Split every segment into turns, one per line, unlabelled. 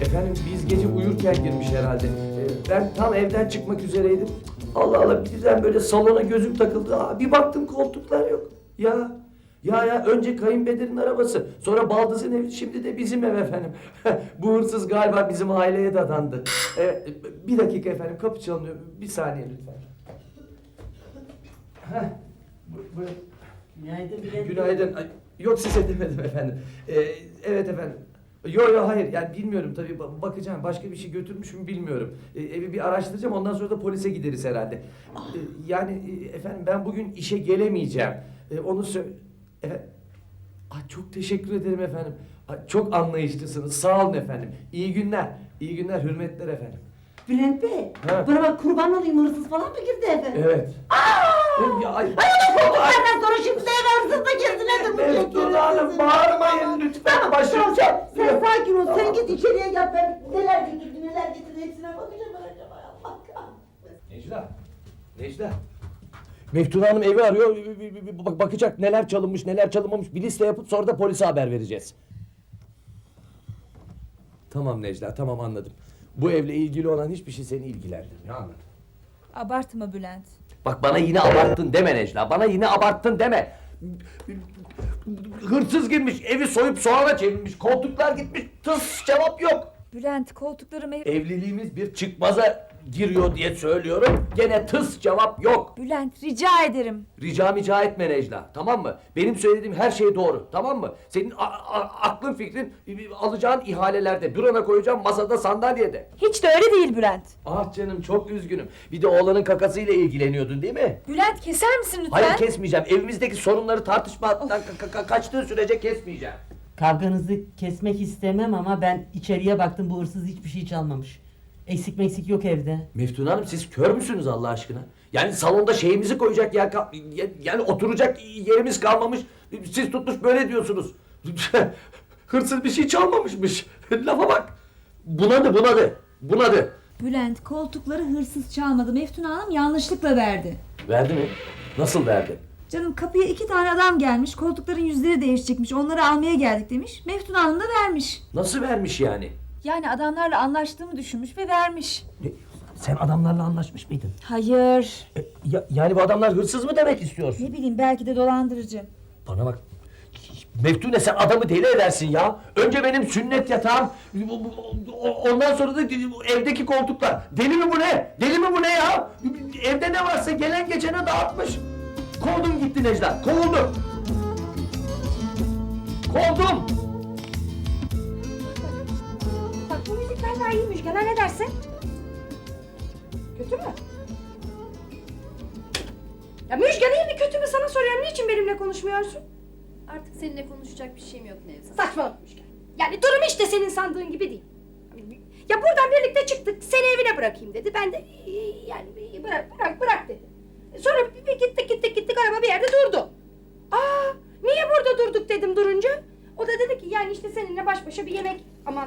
Efendim biz gece uyurken girmiş herhalde. Ben tam evden çıkmak üzereydim. Allah Allah birden böyle salona gözüm takıldı. Bir baktım koltuklar yok. Ya önce kayınpederin arabası, sonra baldızın evi, şimdi de bizim ev efendim. Bu hırsız galiba bizim aileye dadandı. Bir dakika efendim, kapı çalınıyor. Bir saniye lütfen. Buyurun.
Günaydın Bülent.
Günaydın. Yok size demedim efendim. Evet efendim. Yo hayır yani bilmiyorum tabii bakacağım, başka bir şey götürmüş mü bilmiyorum. Evi bir araştıracağım, ondan sonra da polise gideriz herhalde. Yani efendim ben bugün işe gelemeyeceğim. Onu efendim. Çok teşekkür ederim efendim. Çok anlayışlısınız, sağ olun efendim. İyi günler, iyi günler, hürmetler efendim.
Bülent Bey,
Ha.
bana bak kurban olayım, hırsız falan mı girdi eve?
Evet.
Ay onu koltuklardan sonra şimdi eve hırsız da girdi, nedir bu?
Meftun Hanım bağırmayın lütfen, başım çarptı.
Sen sakin ol, sen git içeriye yap, ben neler getirdi hepsine bakacağım acaba, Allah kahretsin.
Necla. Meftun Hanım evi arıyor, bakacak neler çalınmış neler çalınmamış, bir liste yapıp sonra da polise haber vereceğiz. Tamam Necla, tamam anladım. Bu evle ilgili olan hiçbir şey seni ilgilendirmiyor, anladım.
Abartma Bülent.
Bak bana yine abarttın deme Necla, bana yine abarttın deme. Hırsız girmiş, evi soyup soğana çevirmiş, koltuklar gitmiş, tıs cevap yok.
Bülent koltuklarımı...
Evliliğimiz bir çıkmaza giriyor diye söylüyorum, gene tıs cevap yok.
Bülent rica ederim.
Rica etme Necla, tamam mı? Benim söylediğim her şey doğru, tamam mı? Senin aklın fikrin alacağın ihalelerde, bürona koyacağım masada, sandalyede.
Hiç de öyle değil Bülent.
Ah canım çok üzgünüm. Bir de oğlanın kakasıyla ilgileniyordun değil mi?
Bülent keser misin lütfen?
Hayır kesmeyeceğim. Evimizdeki sorunları tartışmaktan kaçtığı sürece kesmeyeceğim.
Kavganızı kesmek istemem ama ben içeriye baktım, bu hırsız hiçbir şey çalmamış. Eksik meksik yok evde.
Meftun Hanım siz kör müsünüz Allah aşkına? Yani salonda şeyimizi koyacak yer yani oturacak yerimiz kalmamış. Siz tutmuş böyle diyorsunuz. Hırsız bir şey çalmamışmış. Lafa bak. Bunadı.
Bülent koltukları hırsız çalmadı. Meftun Hanım yanlışlıkla verdi.
Verdi mi? Nasıl verdi?
Canım kapıya 2 tane adam gelmiş. Koltukların yüzleri değişecekmiş. Onları almaya geldik demiş. Meftun Hanım da vermiş.
Nasıl vermiş yani?
Yani adamlarla anlaştığımı düşünmüş ve vermiş.
Sen adamlarla anlaşmış mıydın?
Hayır.
Yani bu adamlar hırsız mı demek istiyorsun?
Ne bileyim belki de dolandırıcı.
Bana bak. Meftune sen adamı deli edersin ya. Önce benim sünnet yatağım, ondan sonra da evdeki koltuklar. Deli mi bu ne? Deli mi bu ne ya? Evde ne varsa gelen geçene dağıtmış. Kovdum gitti Necla, kovuldum. Kovdum.
Bak bu müzik vallahi iyiymiş. Gel ne dersin? Kötü mü? Ya Müjgan iyi mi kötü mü sana soruyorum. Niçin benimle konuşmuyorsun?
Artık seninle konuşacak bir şeyim yok Nevzat.
Saçmalama Müjgan. Yani durum işte senin sandığın gibi değil. Ya buradan birlikte çıktık. Seni evine bırakayım dedi. Ben de yani bırak dedi. Sonra bir gittik araba bir yerde durdu. Niye burada durduk dedim durunca. O da dedi ki yani işte seninle baş başa bir yemek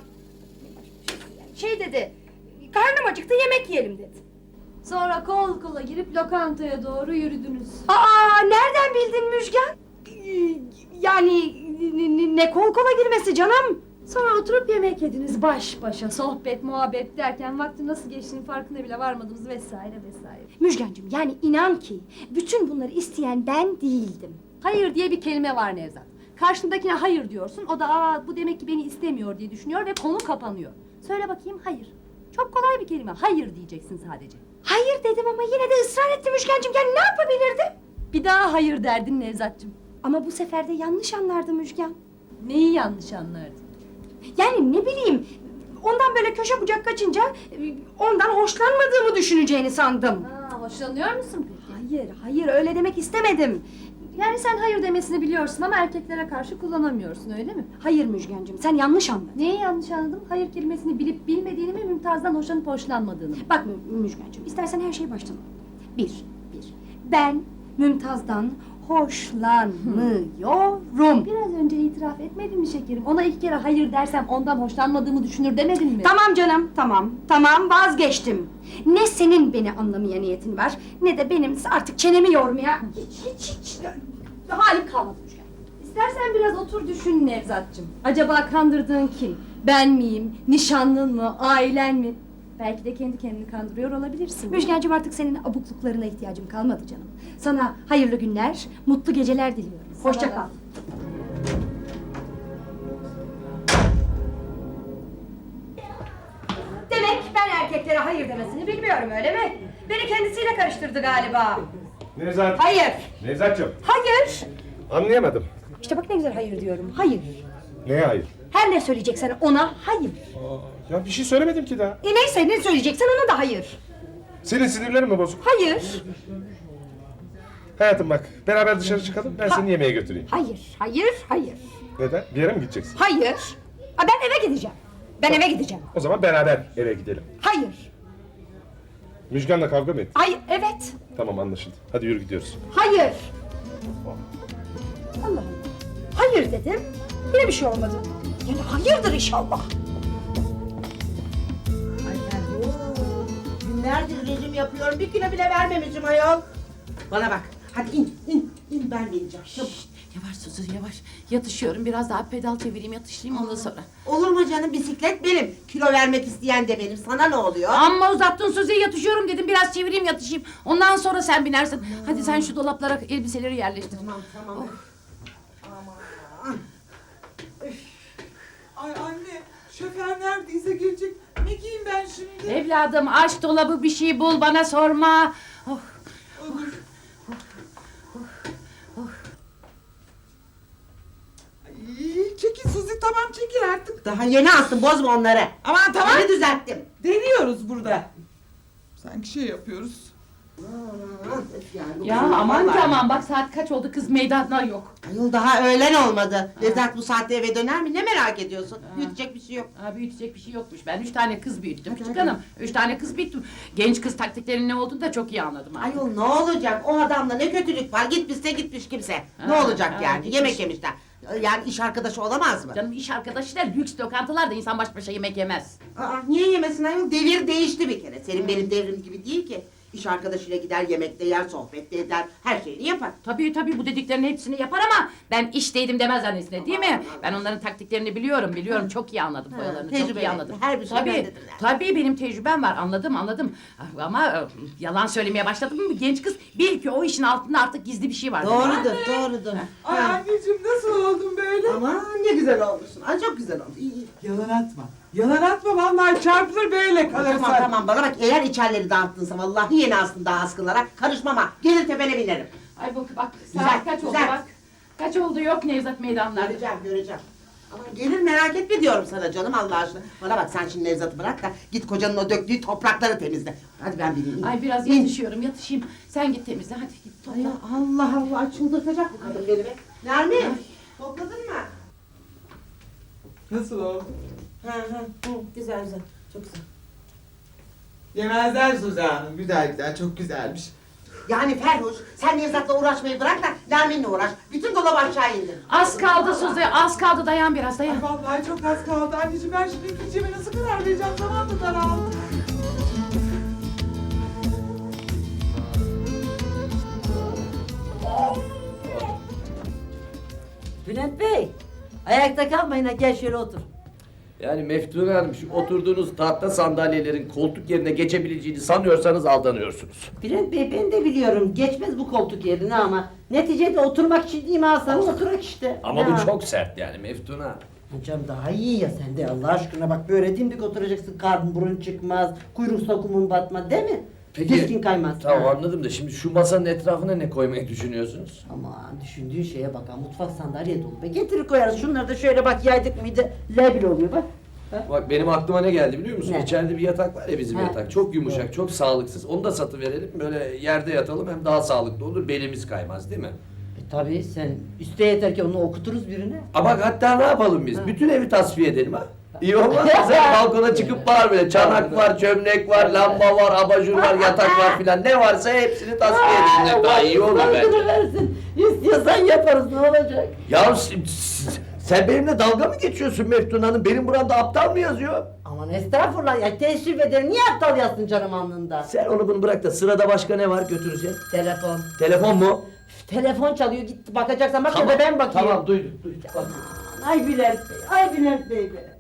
yani dedi. Karnım acıktı yemek yiyelim dedi.
Sonra kol kola girip lokantaya doğru yürüdünüz.
Nereden bildin Müjgan? Yani ne kol kola girmesi canım?
Sonra oturup yemek yediniz baş başa, sohbet, muhabbet derken vaktin nasıl geçtiğinin farkına bile varmadınız vesaire.
Müjgancığım yani inan ki bütün bunları isteyen ben değildim.
Hayır diye bir kelime var Nevzat. Karşındakine hayır diyorsun, o da bu demek ki beni istemiyor diye düşünüyor ve konu kapanıyor. Söyle bakayım hayır. Çok kolay bir kelime, hayır diyeceksin sadece.
Hayır dedim ama yine de ısrar etti Müjgancığım. Yani ne yapabilirdim?
Bir daha hayır derdin Nevzat'cığım.
Ama bu sefer de yanlış anlardı Müjgan.
Neyi yanlış anlardın?
Yani ne bileyim, ondan böyle köşe bucak kaçınca ondan hoşlanmadığımı düşüneceğini sandım.
Hoşlanıyor musun peki?
Hayır öyle demek istemedim.
Yani sen hayır demesini biliyorsun ama erkeklere karşı kullanamıyorsun öyle mi?
Hayır Müjgancığım, sen yanlış anladın.
Neyi yanlış anladım? Hayır kelimesini bilip bilmediğini mi, Mümtaz'dan hoşlanıp hoşlanmadığını mı?
Bak Müjgancığım, istersen her şeyi baştan al. Bir. Ben Mümtaz'dan hoşlanmıyorum.
Biraz önce itiraf etmedin mi şekerim? Ona 2 kere hayır dersem ondan hoşlanmadığımı düşünür demedin mi?
Tamam canım, tamam vazgeçtim. Ne senin beni anlamaya niyetin var, ne de benim artık çenemi yormaya hiç halim kalmadı Müjgan.
İstersen biraz otur düşün Nevzat'cığım. Acaba kandırdığın kim? Ben miyim? Nişanlın mı? Ailen mi? Belki de kendi kendini kandırıyor olabilirsin.
Müjgancığım artık senin abukluklarına ihtiyacım kalmadı canım. Sana hayırlı günler, mutlu geceler diliyorum. Hoşça
Sana da.
kal. Demek ben erkeklere hayır demesini bilmiyorum öyle mi? Beni kendisiyle karıştırdı galiba.
Nevzat.
Hayır,
Nevzat'cığım.
hayır.
Anlayamadım.
İşte bak ne güzel hayır diyorum. Hayır.
Neye hayır?
Her ne söyleyeceksen ona hayır.
Ya bir şey söylemedim ki daha.
Neyse ne söyleyeceksen ona da hayır.
Senin sinirlerin mi bozuk?
Hayır,
Hayatım bak, beraber dışarı çıkalım, ben seni yemeğe götüreyim.
hayır, hayır, hayır.
Neden? Bir yere mi gideceksin?
Hayır. Ben eve gideceğim. Ben eve gideceğim.
O zaman beraber eve gidelim.
Hayır.
Müjgan'la kavga mı ettin?
Hayır, evet.
Tamam, anlaşıldı. Hadi yürü gidiyoruz.
Hayır. Allah Allah. Hayır dedim. Yine bir şey olmadı. Yani hayırdır inşallah.
Ay Ferruh, günlerdir rejim yapıyorum, bir kilo bile vermemişim ayol. Bana bak, hadi in, ben bineceğim. Çabuk.
Yavaş Suzu yavaş. Yatışıyorum biraz daha pedal çevireyim yatışayım ondan sonra.
Olur mu canım, bisiklet benim, kilo vermek isteyen de benim, sana ne oluyor?
Amma uzattın Suzi yatışıyorum dedim biraz çevireyim yatışayım. Ondan sonra sen binersin. Hadi sen şu dolaplara elbiseleri yerleştir.
Tamam.
Ay anne, şoför neredeyse gelecek. Ne giyeyim ben şimdi?
Evladım aç dolabı bir şey bul bana sorma. Oh.
Olur. Ay, çekil Suzi, tamam çekil artık.
Daha yeni astım, bozma onları.
Aman tamam.
Yeni düzelttim.
Deniyoruz burada. Sanki şey yapıyoruz.
Ya aman tamam bak saat kaç oldu kız meydanda yok.
Ayol daha öğlen olmadı. Nevzat bu saatte eve döner mi? Ne merak ediyorsun? Büyütecek bir şey yok.
Ha, büyütecek bir şey yokmuş. Ben 3 tane kız büyüttüm küçük hanım. 3 tane kız büyüttüm. Genç kız taktiklerinin ne olduğunu da çok iyi anladım. ha.
Ayol ne olacak? O adamla ne kötülük var? Gitmişse gitmiş kimse. Ne
Ha,
olacak
ha,
yani?
gitmiş.
Yemek yemişler. Yani iş arkadaşı olamaz mı?
Canım iş arkadaşı da lüks lokantalarda insan baş başa yemek yemez.
Aa, niye yemesin ayol? Devir değişti bir kere. Senin benim devrim gibi değil ki. İş arkadaşıyla gider, yemekte yer, sohbette eder, her şeyini yapar.
Tabii bu dediklerinin hepsini yapar ama ben işteydim demez annesine değil mi? Ben onların taktiklerini biliyorum çok iyi anladım foyalarını çok iyi
tecrübeli.
anladım.
Her bir şey bendedir yani.
Tabii benim tecrübem var anladım ama yalan söylemeye başladım mı genç kız bil ki o işin altında artık gizli bir şey var.
Doğrudur.
Ay anneciğim nasıl oldun böyle?
Aman ne güzel olmuşsun. Ay çok güzel oldu. İyi.
Yalan atma. Yalan atma vallahi çarpılır böyle kalırsan.
Tamam bana bak, eğer içerleri dağıttınsa vallahi yeni aslında askılara karışmam ha. Gelir tepene binerim.
Ay bak saat
Güzel,
kaç oldu
güzel.
bak. Kaç oldu yok Nevzat meydanlarda.
Göreceğim. Aman gelir merak etme diyorum sana canım Allah aşkına. Bana bak sen şimdi Nevzat'ı bırak da git kocanın o döktüğü toprakları temizle. Hadi ben bineyim.
Ay biraz
İn.
yatışayım. Sen git temizle hadi git topla.
Ay Allah çıldırtacak bu kadın beni be. Nermin topladın mı?
Nasıl oldu?
Güzel çok güzel.
Yemezler Suzi Hanım. Güzel çok güzelmiş.
Yani Ferhuş sen Nevzat'la uğraşmayı bırak da Nermin'le uğraş. Bütün dolabı aşağı indir.
Az kaldı Suzi az kaldı dayan biraz dayan.
Ay vallahi çok az kaldı anneciğim. Ben şimdi ikinciye nasıl karar vereceğim? Zaman da daraldı.
Bülent Bey, ayakta kalmayın ha, gel şöyle otur.
Yani Meftune Hanım şu oturduğunuz tahta sandalyelerin koltuk yerine geçebileceğini sanıyorsanız aldanıyorsunuz.
Bülent Bey, ben de biliyorum geçmez bu koltuk yerine ama neticede oturmak için değil mi alsanız oturak işte.
Ama
Ya.
bu çok sert yani Meftune Hanım.
Canım daha iyi ya sen de Allah aşkına bak böyle dimdik oturacaksın, karnın burun çıkmaz, kuyruk sokumun batmaz değil mi? Diskin kaymaz.
Tamam
Ha.
anladım da şimdi şu masanın etrafına ne koymayı düşünüyorsunuz?
Aman düşündüğün şeye bak ha, mutfak sandalye dolu be. Getirir koyarız şunları da şöyle bak, yaydık mıydı lebil oluyor bak. Ha?
Bak benim aklıma ne geldi biliyor musun?
Ne?
İçeride bir yatak var ya bizim
Ha.
yatak. Çok yumuşak, çok sağlıksız. Onu da satıverelim. Böyle yerde yatalım hem daha sağlıklı olur. Belimiz kaymaz değil mi?
Tabii sen iste yeter ki onu okuturuz birine.
Ama bak hatta ne yapalım biz?
Ha.
Bütün evi tasfiye edelim ha. İyi olmaz mı? Sen balkona çıkıp bağır böyle. Çanak var, çömlek var, lamba var, abajur var, yatak var filan. Ne varsa hepsini tasfiye edelim. Daha iyi olur bence.
Hakkını versin. İstiyorsan yaparız, ne olacak?
Ya sen benimle dalga mı geçiyorsun Meftun Hanım? Benim buramda aptal mı yazıyor?
Aman estağfurullah ya, teessüf ederim. Niye aptal yazsın canım alnında?
Sen onu bunu bırak da sırada başka ne var götüreceğim?
Telefon.
Telefon mu?
Telefon çalıyor, git bakacaksan bak ya da ben bakayım.
Tamam duydum. Bak.
Ay Bülent Bey, ay Bülent Bey be.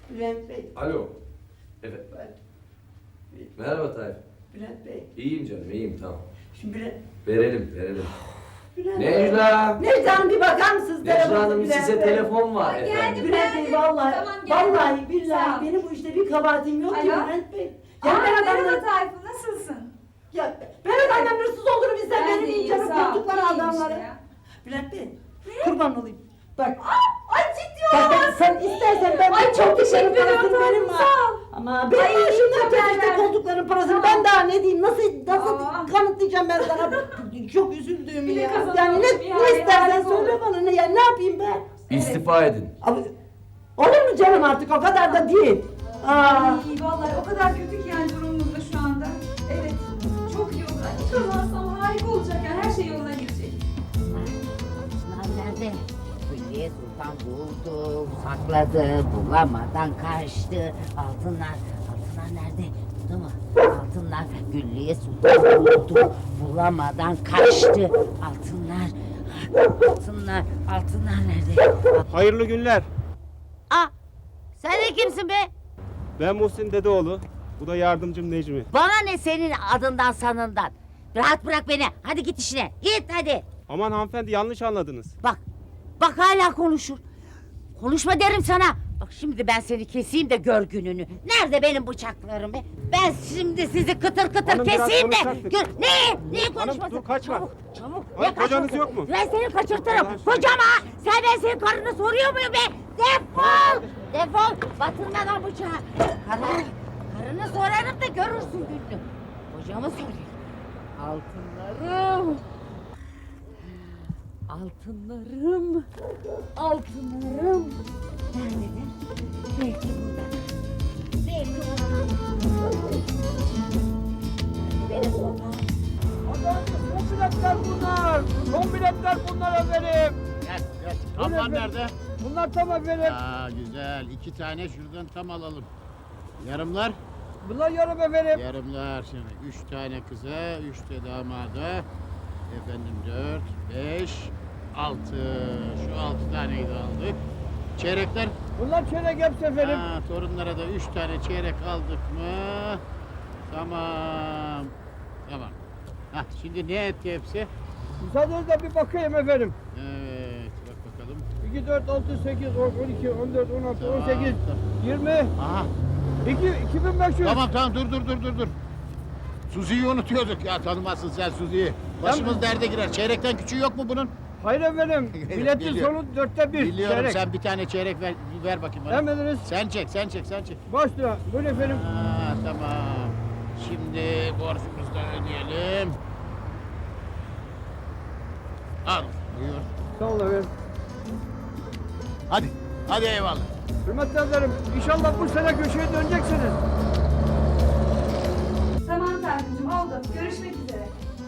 Bülent Bey.
Alo. Evet. Merhaba Tayyip.
Bülent Bey.
İyiyim canım, iyiyim tamam.
Şimdi Bülent.
Verelim.
Bülent
Necla!
Necla Hanım bir bakar mısınız?
Necla Hanım
Bülent
size
Bey.
telefon var
Ay,
efendim.
geldim.
Bülent Bey vallahi,
Tamam, geldim.
vallahi
Sağ ol.
billahi benim bu işte bir kabahatim yok ki
Alo?
Bülent Bey.
Aa,
Ya ben
merhaba
adamları...
Tayfun, nasılsın?
Ya ben adamdan hırsız olur bizden
Ben de
benim
iyiyim,
canım
sağ ol.
korktukları
İyiyim
adamları.
işte ya.
Bülent Bey kurban olayım. Bak.
Ay ciddi
Bak
olamazsın.
sen istersen ben
Ay,
bu
çok
koltukların
teşekkür ederim,
parasını
Tayfun,
verim ha.
sağ ol.
Ama benim
Ay,
maaşımdan
haber
kes işte
ver.
koltukların parasını.
Tamam.
Ben daha ne diyeyim nasıl
Aa.
kanıtlayacağım ben sana çok üzüldüğümü
Bir de
ya.
kazanalım,
Yani
bir
ne
hale
istersen
layık
söyle
olur.
bana ne ya ne yapayım ben?
İstifa edin.
Abi, olur mu canım artık o kadar da değil. Aa.
Ay vallahi o kadar kötü ki yani durumumuz da şu anda. Evet, çok iyi olur. Ay, hiç kazansam harika olacak yani her şey yoluna girecek.
Altınlar nerede? Hülya Sultan buldu, sakladı, bulamadan kaçtı. Altınlar nerede? Buldu mu? Altınlar Güllü'ye Sultan buldu, bulamadan kaçtı. Altınlar nerede?
Hayırlı günler.
Aa, sen de kimsin be?
Ben Muhsin Dedeoğlu. Bu da yardımcım Necmi.
Bana ne senin adından sanından? Rahat bırak beni. Hadi git işine. Git hadi.
Aman hanımefendi yanlış anladınız.
Bak hala konuşur. Konuşma derim sana. Bak şimdi ben seni keseyim de gör gününü. Nerede benim bıçaklarım be? Ben şimdi sizi kıtır kıtır
Hanım, biraz
keseyim de
konuşacaktık.
gör. Neyi konuşması?
dur, kaçma.
Çabuk.
Hanım,
Ne
kocanız
kaçması?
yok mu?
Ben seni kaçırtırım.
Allah aşkına.
Kocam ha. Ben senin karını soruyor muyum be? Defol. Batırma lan bıçağı. Karını sorarım da görürsün gününü. Kocamı soruyor. Altınlarım. Nerededir? Belki burada. Belki burada. Benim burada.
Son biletler bunlar efendim.
Gel. Tamlar nerede?
Bunlar tam efendim.
Aa güzel. 2 tane şuradan tam alalım. Yarımlar?
Bunlar yarım efendim.
Yarımlar şimdi. 3 tane kıza, 3 de damada. Efendim 4, 5, 6. Şu 6 taneyi de aldık. Çeyrekler?
Bunlar çeyrek hepsi efendim.
Ha, torunlara da 3 tane çeyrek aldık mı? Tamam. Hah, şimdi ne etti hepsi?
Müsaadenizle bir bakayım efendim.
Evet, bak bakalım.
2, 4, 6, 8, 10, 12, 14, 16,
Tamam,
18,
tamam.
20,
Aha,
2500.
tamam dur. Suzi'yi unutuyorduk ya, tanımazsın sen Suzi'yi. Başımız derde girer. Çeyrekten küçüğü yok mu bunun?
Hayır efendim. Biletin
Biliyorum.
sonu 1/4.
Biliyorum,
Çeyrek.
sen bir tane çeyrek ver bakayım bana.
Emrediniz.
Sen çek.
Baş lira. Buyurun efendim.
Ha, tamam. Şimdi borcumuzu da ödeyelim. Al, buyur.
Sağ olun efendim.
Hadi eyvallah.
Hürmetli ederim. İnşallah bu sene köşeye döneceksiniz.
Tamam Tayfun'cum oldu. Görüşmek üzere.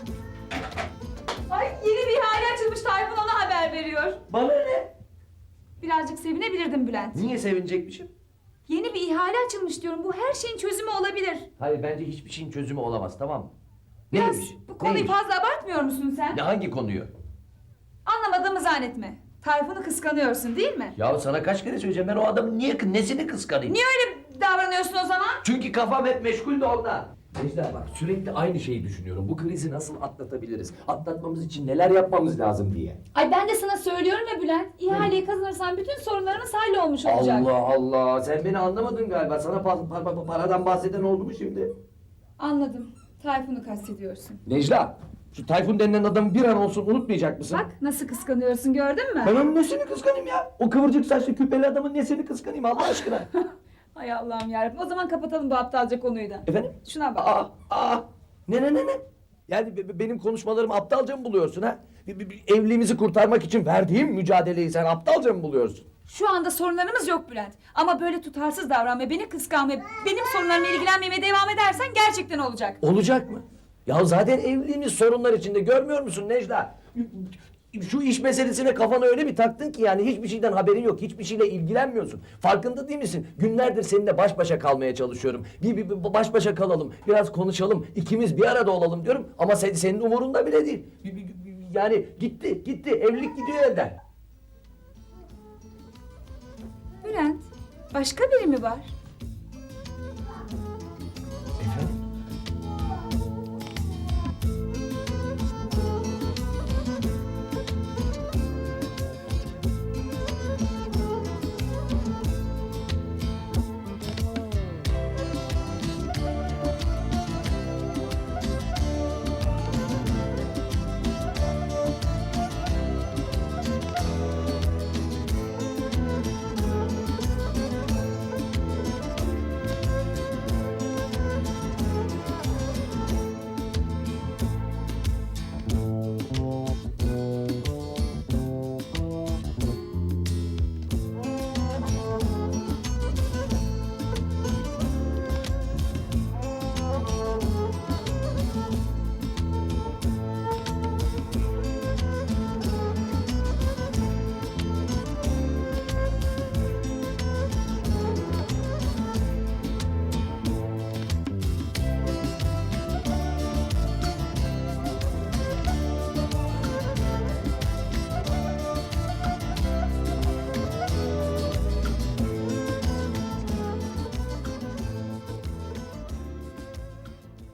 Ay yeni bir ihale açılmış Tayfun ona haber veriyor.
Bana ne?
Birazcık sevinebilirdim Bülent.
Niye sevinecekmişim?
Yeni bir ihale açılmış diyorum. Bu her şeyin çözümü olabilir.
Hayır bence hiçbir şeyin çözümü olamaz tamam mı?
Biraz
Neymiş?
bu konuyu
Neymiş?
fazla abartmıyor musun sen?
Ne hangi konuyu?
Anlamadığımı zannetme. Tayfun'u kıskanıyorsun değil mi?
Ya sana kaç kere söyleyeceğim ben o adamın nesini kıskanayım?
Niye öyle davranıyorsun o zaman?
Çünkü kafam hep meşgul de ondan. Necla bak sürekli aynı şeyi düşünüyorum. Bu krizi nasıl atlatabiliriz? Atlatmamız için neler yapmamız lazım diye.
Ay ben de sana söylüyorum ya Bülent. İhaleyi kazanırsan bütün sorunlarımız hallolmuş olacak.
Allah Allah sen beni anlamadın galiba. Sana paradan bahseden oldu mu şimdi?
Anladım. Tayfun'u kastediyorsun.
Necla şu Tayfun denilen adamı bir an olsun unutmayacak mısın?
Bak nasıl kıskanıyorsun gördün mü?
Ben onun nesini kıskanayım ya? O kıvırcık saçlı küpeli adamın nesini kıskanayım Allah aşkına?
Hay Allah'ım yarabbim. O zaman kapatalım bu aptalca konuyu da.
Efendim?
Şuna bak.
Ne? Yani benim konuşmalarımı aptalca mı buluyorsun ha? Evliliğimizi kurtarmak için verdiğim mücadeleyi sen aptalca mı buluyorsun?
Şu anda sorunlarımız yok Bülent. Ama böyle tutarsız davranmaya, beni kıskanmaya, benim sorunlarımla ilgilenmemeye devam edersen gerçekten olacak.
Olacak mı? Ya zaten evliliğimiz sorunlar içinde görmüyor musun Necla? Şu iş meselesine kafanı öyle bir taktın ki yani hiçbir şeyden haberin yok, hiçbir şeyle ilgilenmiyorsun. Farkında değil misin? Günlerdir seninle baş başa kalmaya çalışıyorum. Bir baş başa kalalım, biraz konuşalım, ikimiz bir arada olalım diyorum. Ama senin umurunda bile değil. Yani gitti, evlilik gidiyor elden.
Bülent,
Başka biri mi var?